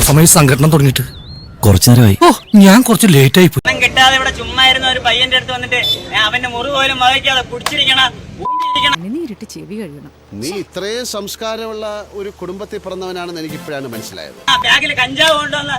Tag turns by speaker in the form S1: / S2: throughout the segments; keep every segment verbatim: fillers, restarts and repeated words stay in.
S1: സമയം സംഘടന തുടങ്ങിയിട്ട് കുറച്ചു നേരമായി. ഓ ഞാൻ കുറച്ച് ലേറ്റ് ആയി പോയി.
S2: കിട്ടാതെ ഇവിടെ ചുമ്മാ ഇരുന്ന ഒരു പയ്യന്റെ അടുത്ത് വന്നിട്ട് അവന്റെ മുറി പോലും വഹിക്കാതെ കുടിച്ചിരിക്കണം.
S3: നീ ഇത്രയും സംസ്കാരമുള്ള ഒരു കുടുംബത്തിൽ പിറന്നവനാണെന്ന് എനിക്ക് ഇപ്പോഴാണ് മനസ്സിലായത്.
S2: ആ ബാഗിൽ കഞ്ചാവ് കൊണ്ടുവന്ന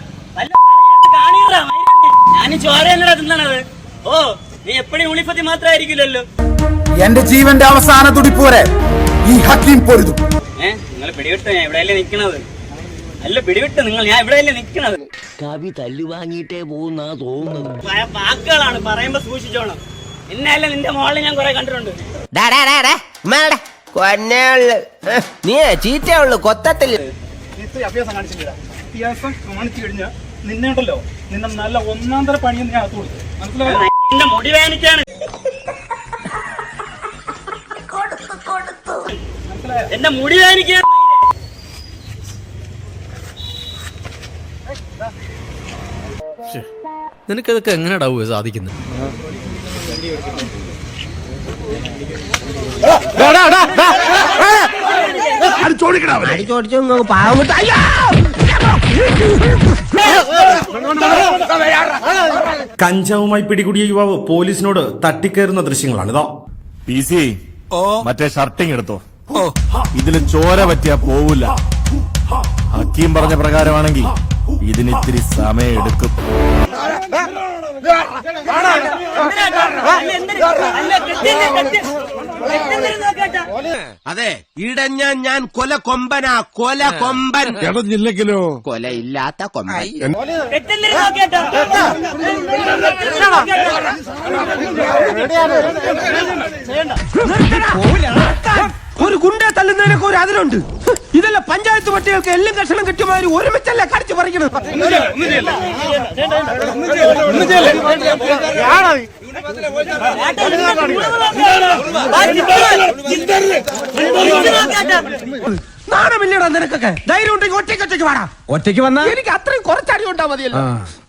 S2: ഞാൻ ചോരയല്ലടാ തിന്നണത്. ഓ നീ എപ്പോഴും ഉളിപ്പത്തി മാത്രമായിരിക്കില്ലല്ലോ.
S4: എന്റെ ജീവന്റെ അവസാന തുടിപ്പോരെ ഈ ഹക്കീം പൊരുതും.
S2: ഏഹ് നിങ്ങൾ പിടിവിട്ട് ഞാൻ ഇവിടെയല്ലേ നിക്കണത്. അല്ല പിടിവിട്ട് നിങ്ങൾ ഞാൻ ഇവിടെയല്ലേ നിക്കണത്.
S5: കവി തല്ലു വാങ്ങിയിട്ടേ പോകുന്ന തോന്നുന്നത്.
S2: വാക്കുകളാണ് പറയുമ്പോ സൂക്ഷിച്ചോണം. എന്നല്ല നിന്റെ മോളിൽ ഞാൻ കുറെ കണ്ടിട്ടുണ്ട്.
S5: നീ ചീറ്റേ ഉള്ളു കൊത്തത്തില്ല.
S6: അഭ്യാസം കാണിച്ചില്ല. അഭ്യാസം കാണിച്ചു കഴിഞ്ഞാൽ നിന്നെ ഉണ്ടല്ലോ നിന്നെ നല്ല ഒന്നാം തര പണിയെന്ന് ഞാൻ അകത്ത് കൊടുത്തു. മനസ്സിലായോ?
S2: എന്റെ മുടി വേനിക്കാണ്. എന്റെ മുടി വേനിക്കാണ്.
S1: നിനക്കതൊക്കെ എങ്ങനെയാടാവുക സാധിക്കുന്നത്?
S7: കഞ്ചാവുമായി പിടികൂടിയ യുവാവ് പോലീസിനോട് തട്ടിക്കയറുന്ന ദൃശ്യങ്ങളാണിതോ.
S8: പി സി മറ്റേ ഷർട്ടിങ് എടുത്തോ. ഇതില് ചോര പറ്റിയാ പോവില്ല. ഹക്കീം പറഞ്ഞ പ്രകാരമാണെങ്കിൽ ഇതിനിത്തിരി സമയം എടുക്കും.
S5: അതെ ഇടഞ്ഞ ഞാൻ കൊല കൊമ്പനാ. കൊല കൊമ്പൻ
S8: ഇടഞ്ഞില്ലെങ്കിലോ
S5: കൊലയില്ലാത്ത കൊമ്പൻ. ഒരു ഗുണ്ട തല്ലുന്നതിനൊക്കെ ഒരു അതിലുണ്ട്. ഇതല്ല പഞ്ചായത്ത് പട്ടികൾക്ക് എല്ലാം കഷണം കിട്ടിയമാതിരി ഒരുമിച്ചല്ല കടിച്ചു പറിക്കണത്. നാണമില്ലടാ നിനക്കൊക്കെ. ധൈര്യം ഉണ്ടെങ്കിൽ ഒറ്റയ്ക്ക് ഒറ്റയ്ക്ക് വാടാ. ഒറ്റയ്ക്ക് വന്നാ എനിക്ക് അത്രയും കുറച്ചടി ഉണ്ടാ മതിയല്ലോ.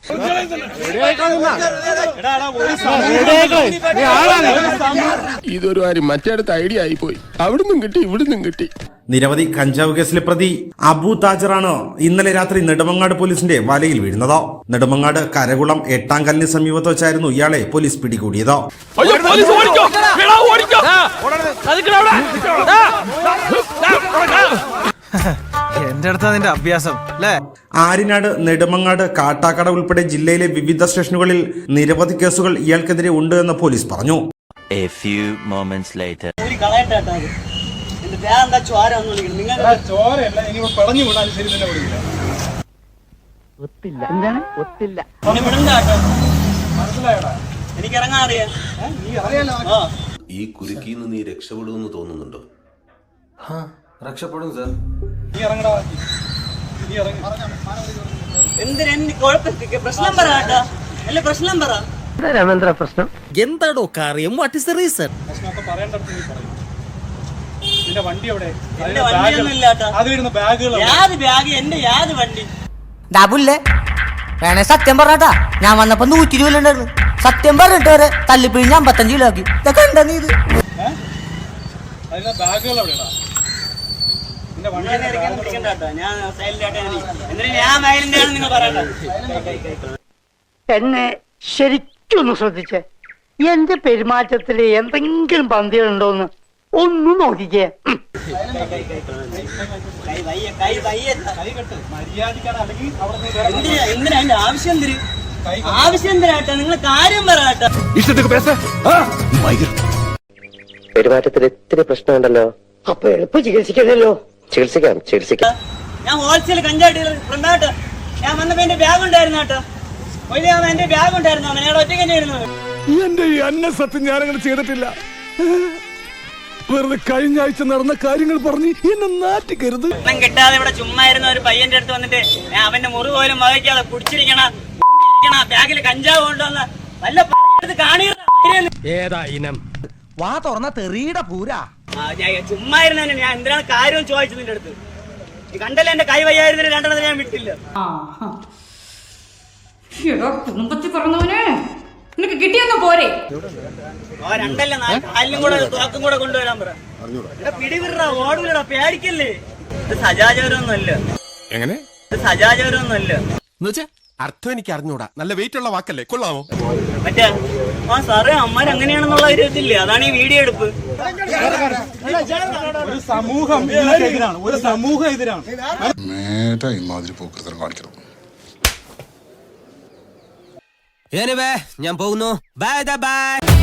S8: ഇതൊരു കാര്യം മറ്റേടത്ത് ഐഡിയ ആയി പോയി. അവിടുന്നും കിട്ടി ഇവിടുന്നും കിട്ടി.
S7: നിരവധി കഞ്ചാവ് കേസിലെ പ്രതി അബു താജറാണ് ഇന്നലെ രാത്രി നെടുമങ്ങാട് പോലീസിന്റെ വലയിൽ വീഴുന്നത്. നെടുമങ്ങാട് കരകുളം എട്ടാംകല്ലിന് സമീപത്ത് വെച്ചായിരുന്നു ഇയാളെ പോലീസ് പിടികൂടിയത്.
S1: എന്റെ അടുത്ത് അതിന്റെ അഭ്യാസം അല്ലേ?
S7: ആര്യനാട്, നെടുമങ്ങാട്, കാട്ടാക്കട ഉൾപ്പെടെ ജില്ലയിലെ വിവിധ സ്റ്റേഷനുകളിൽ നിരവധി കേസുകൾ ഇയാൾക്കെതിരെ ഉണ്ട് എന്ന് പോലീസ് പറഞ്ഞു.
S9: ഈ കുരുക്കിന്ന് നീ രക്ഷപ്പെടുമെന്ന് തോന്നുന്നുണ്ടോ?
S6: രക്ഷപ്പെടും സാർ. നീ ഇറങ്ങടാ. നീ ഇറങ്ങി.
S2: എന്തിനാ പ്രശ്നം പറ കേട്ടോ. അല്ല പ്രശ്നം പറ.
S5: രാമേന്ദ്ര പ്രശ്നം
S1: എന്താടോ കാര്യം? What is the reason?
S6: പ്രശ്നമൊക്കെ പറയേണ്ടടുത്ത് നീ പറയും. നിന്റെ വണ്ടി എവിടെ?
S2: എന്റെ വണ്ടിയൊന്നും ഇല്ല കേട്ടോ.
S6: അതിലിരുന്ന ബാഗുകൾ.
S2: യാത് ബാഗ് എന്റെ യാത് വണ്ടി.
S10: ഡാബുല്ലേ വേണേ സത്യം പറഞ്ഞാ ഞാൻ വന്നപ്പോ നൂറ്റി രൂപ ഉണ്ടായിരുന്നു. സത്യം പറഞ്ഞിട്ട് വരെ തല്ലിപ്പിഴിഞ്ഞ് അമ്പത്തഞ്ച് കിലോ ആക്കി. ഇതൊക്കെ ഉണ്ടോ നീ? ഇത്
S6: അതിലെ ബാഗുകൾ എവിടെയാ? നിന്റെ വണ്ടി
S10: എന്നെ ശരിക്കൊന്ന് ശ്രദ്ധിച്ചേ. എന്റെ പെരുമാറ്റത്തില് എന്തെങ്കിലും പന്തികളുണ്ടോന്ന് ഒന്ന് നോക്കിക്കേ.
S2: ആവശ്യം തരും ആവശ്യം തരാട്ടെ. നിങ്ങൾ കാര്യം പറയാട്ടെ.
S5: പെരുമാറ്റത്തിൽ ഇത്തിരി പ്രശ്നമുണ്ടല്ലോ.
S10: അപ്പൊ എളുപ്പം ചികിത്സിക്കണല്ലോ.
S5: ചികിത്സിക്കാം ചികിത്സിക്കാം.
S2: ഞാൻ ഹോൾസെയിൽ കഞ്ചാവ് ഡീലർ ഫ്രണ്ടാട്ടോ. ഞാൻ വന്നപ്പോ എന്റെ ബാഗ് ഉണ്ടായിരുന്നു കേട്ടോ. എന്റെ ബാഗ് ഉണ്ടായിരുന്നു. അവൻ ഞങ്ങളുടെ ഒറ്റയ്ക്ക് തന്നെയായിരുന്നു.
S8: എന്റെ ഈ അന്ന സത്യം ഞാനങ്ങനെ ചെയ്തിട്ടില്ല. വെറുതെ കഴിഞ്ഞ ആഴ്ച നടന്ന കാര്യങ്ങൾ പറഞ്ഞ് എന്നെ നാറ്റിക്കരുത്.
S2: കിട്ടാതെ ഇവിടെ ചുമ്മാ ഇരുന്ന ഒരു പയ്യന്റെ അടുത്ത് വന്നിട്ട് അവന്റെ മുറി പോലും വഹിക്കാതെ കുടിച്ചിരിക്കണം. ബാഗിൽ കഞ്ചാവ് കൊണ്ടുവന്ന വല്ല
S5: ഏതാ ഇനം വാ തുറന്ന തെറിയുടെ പൂരാ.
S2: ചുമ്മാ ഇരുന്ന ഞാൻ എന്തിനാണ് കാര്യം ചോദിച്ചത് നിന്റെ അടുത്ത്. കണ്ടല്ലേ എന്റെ കൈ വയ്യായിരുന്നില്ല. രണ്ടെണ്ണത്തിന് ഞാൻ വിട്ടില്ല.
S11: കുടുംബത്തിൽ പറഞ്ഞവനെ നിനക്ക് കിട്ടിയൊന്നും പോരെ.
S2: രണ്ടല്ല കാലിലും കൂടെ തോക്കും കൂടെ കൊണ്ടുവരാൻ പറ. പിടിവിട ഓടില്ലടാ പേടിക്കല്ലേ. ഇത് സജാചാരമൊന്നും അല്ല.
S8: എങ്ങനെ
S2: സജാചാരമൊന്നുമല്ല.
S4: അർത്ഥം എനിക്ക് അറിഞ്ഞൂടാ. നല്ല വെയിറ്റ് ഉള്ള വാക്കല്ലേ, കൊള്ളാമോ?
S2: മറ്റേ ആ സാറേ അമ്മാർ അങ്ങനെയാണെന്നുള്ള ഒരു ഇതില്ലേ, അതാണ് ഈ വീഡിയോ എടുപ്പ്.
S6: ഒരു സമൂഹം ഇതിനെതിരാണ്, ഒരു സമൂഹം എതിരാണ്.
S5: ഞാൻ പോകുന്നു. Bye by.